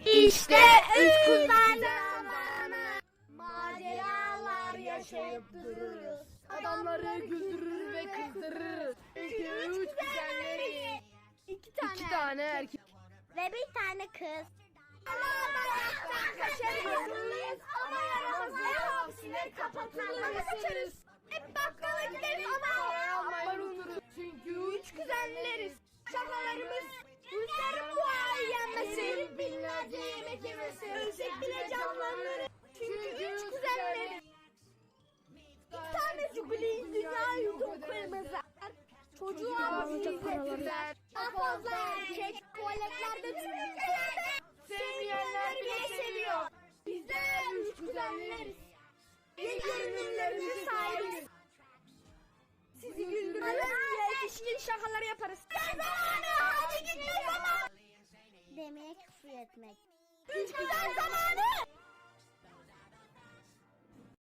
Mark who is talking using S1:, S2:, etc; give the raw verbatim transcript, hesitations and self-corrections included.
S1: İşte üç kuzen zamanı. Maceralar yaşayıp dururuz.
S2: Adamları güldürür ve kızdırırız. Çünkü üç kuzenleri.
S1: İki tane,
S2: İki tane erkek.
S1: ve bir tane kız. Ama bayraktan kaçarız. Ama yaramazları hapsine kapatırız. Hep bakkala gideriz ama
S2: Parayı almayı unuturuz. Çünkü üç kuzenleriz.
S1: şakalarımız Rusların bu ay yenmesi.
S2: Binlerce yemek yemesi.
S1: Ölsek bile canlanırız. Çünkü üç kuzenleriz. İki tane jubileyiz, dünya yutup kırmızı. Çocuğa alacak paraları. Daha fazla erkek tuvaletlerde tünekelerde. Sevmeyenler bile seviyor. Bizler üç kuzenleriz. Ve görünümlerimizi sahibiz. Sizi güldürürüz. Yetişkin şakalar yaparız. Ne zamanı? Hadi gitme zamanı. Demeye küfür etmek. Üç kuzen zamanı.